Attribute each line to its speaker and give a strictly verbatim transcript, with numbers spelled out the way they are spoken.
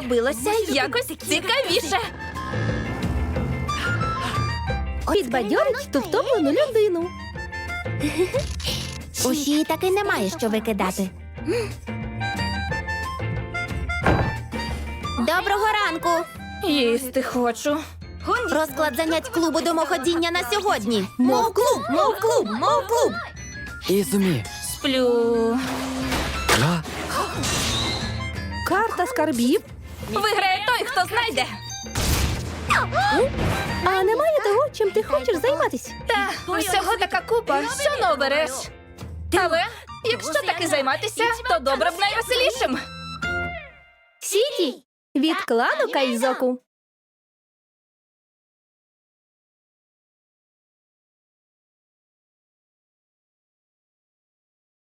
Speaker 1: робилося якось цікавіше.
Speaker 2: Підбадьорить ту втомлену людину.
Speaker 3: У Фії таки немає що викидати. Доброго ранку!
Speaker 1: Їсти хочу.
Speaker 3: Розклад занять клубу домоходіння на сьогодні. Мов клуб, мов клуб, мов клуб.
Speaker 4: Ізумі.
Speaker 1: Сплю.
Speaker 4: А?
Speaker 2: Карта скарбів.
Speaker 1: Виграє той, хто знайде.
Speaker 2: А немає того, чим ти хочеш займатися.
Speaker 1: Та усього така купа, що не обереш. Але якщо таки займатися, то добре б найвеселішим.
Speaker 2: Сіті від клану Кайзоку.